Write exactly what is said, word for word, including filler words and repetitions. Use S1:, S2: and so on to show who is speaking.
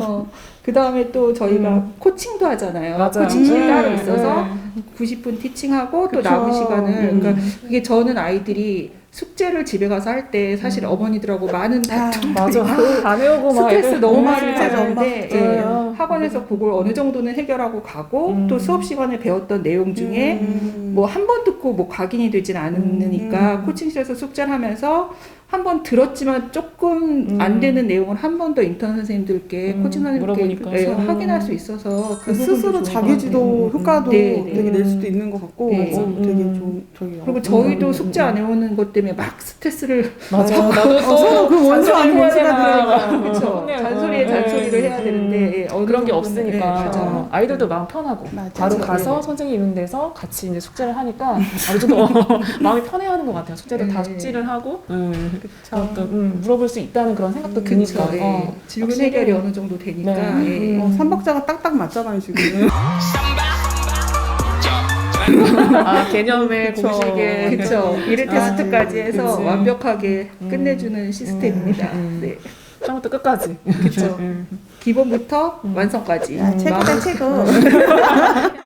S1: 어, 그 다음에 또 저희가
S2: 음.
S1: 코칭도 하잖아요.
S2: 맞아요.
S1: 코칭실이
S3: 음.
S1: 따로 있어서
S2: 네.
S1: 구십 분 티칭하고 또
S3: 그쵸.
S1: 남은 시간을
S3: 음.
S1: 그러니까 그게 저는 아이들이 숙제를 집에 가서 할 때 사실
S2: 음.
S1: 어머니들하고 많은
S3: 아,
S1: 다툼도
S2: 맞아.
S1: 있고
S2: 아, 안 해오고 막
S1: 스트레스
S2: 애들.
S1: 너무
S2: 네.
S1: 많이
S3: 맞아요.
S1: 받았는데 예,
S2: 맞아요.
S1: 학원에서 그걸 어느 정도는 해결하고 가고
S2: 음.
S1: 또 수업 시간에 배웠던 내용 중에
S3: 음.
S1: 뭐 한 번 듣고 뭐 각인이 되진 않으니까
S3: 음.
S1: 코칭실에서 숙제를 하면서 한 번 들었지만 조금
S2: 음.
S1: 안 되는 내용을 한 번 더 인턴 선생님들께
S2: 음,
S1: 코칭 선생님께
S2: 물어보니까.
S1: 예,
S2: 음.
S1: 확인할 수 있어서 그
S3: 그 스스로
S1: 부분도 좋은 것
S3: 자기지도
S1: 같아요.
S3: 효과도
S1: 네, 네.
S3: 되게 낼 수도 있는 것 같고
S1: 네.
S3: 어, 되게
S2: 음.
S3: 좀 저기
S1: 그리고
S3: 어,
S1: 저희도
S2: 음,
S1: 숙제
S2: 음,
S1: 안 해오는 것 때문에 막 스트레스를
S2: 맞아.
S3: 어,
S2: 나도 또
S3: 서로 그 원수 아닌 원수가 되니까.
S1: 그렇죠. 잔소리에 잔소리를 해야 되는데 예, 어느
S2: 그런 게
S1: 정도는,
S2: 없으니까
S1: 예, 맞아요.
S2: 아이들도 마음 편하고
S3: 맞아요.
S2: 바로
S1: 맞아요.
S2: 가서
S1: 네.
S2: 선생님 있는 데서 같이 이제 숙제를 하니까 아주 더 마음이 편해하는 것 같아요. 숙제도
S1: 네.
S2: 다 숙지를 하고 음,
S3: 그쵸.
S2: 또 음, 물어볼 수 있다는 그런 생각도
S3: 음,
S2: 드니까
S1: 그렇죠. 예.
S2: 어,
S1: 질문
S2: 확실히.
S1: 해결이 어느 정도 되니까
S2: 네.
S1: 예.
S2: 음.
S3: 어, 삼박자가 딱딱 맞잖아요 지금.
S2: 아 개념의
S3: 그쵸.
S2: 공식에
S1: 그렇죠. 일일 테스트까지
S3: 아,
S1: 해서
S2: 그치.
S1: 완벽하게
S2: 음.
S1: 끝내주는 시스템입니다.
S2: 음.
S1: 네.
S2: 처음부터 끝까지
S1: 그렇죠.
S2: 음.
S1: 기본부터
S2: 음.
S1: 완성까지.
S3: 야, 최고다
S1: 마음-
S3: 최고.